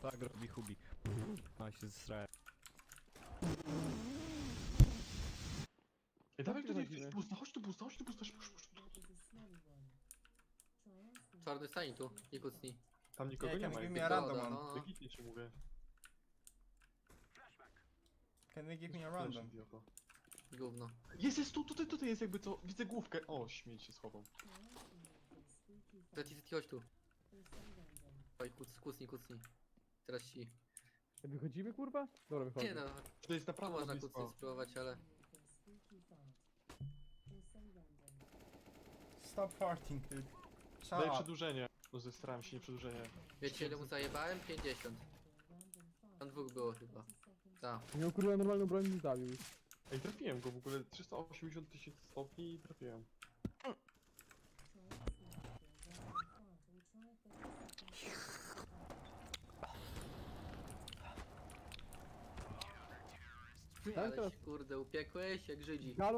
Tak robi Hubi. A się zesrałem. Ej, dawaj tutaj, chodzimy? busta, chodź tu busta, chodź tu busta, szybko. Czarny stań tu i kucnij. Tam nikogo Yeah, nie can ma. you give jakby me a to- random no, one? no. Legitnie ci mówię. Can they give me a random? Idioto. Gówno. Jest tu, tutaj jest jakby co, widzę główkę. O, śmieć się schował. Zeti, chodź tu. Oj, kucnij. Teraz ci. Wychodzimy, kurwa? Dobra, wychodzimy. Nie no, To jest tu naprawdę można blisko. kucnąć spróbować, ale... Stop farting, dude. Shut Daj up. przedłużenie. No zesrałem się, nie przedłużenie. Wiecie ile mu zajebałem? 50. Tam dwóch było chyba. Tak. Miał kurwa normalną broń i zabił. Ej, trafiłem go w ogóle, 380 000 stopni i trafiłem. Ale się kurde upiekłeś jak Żydzi.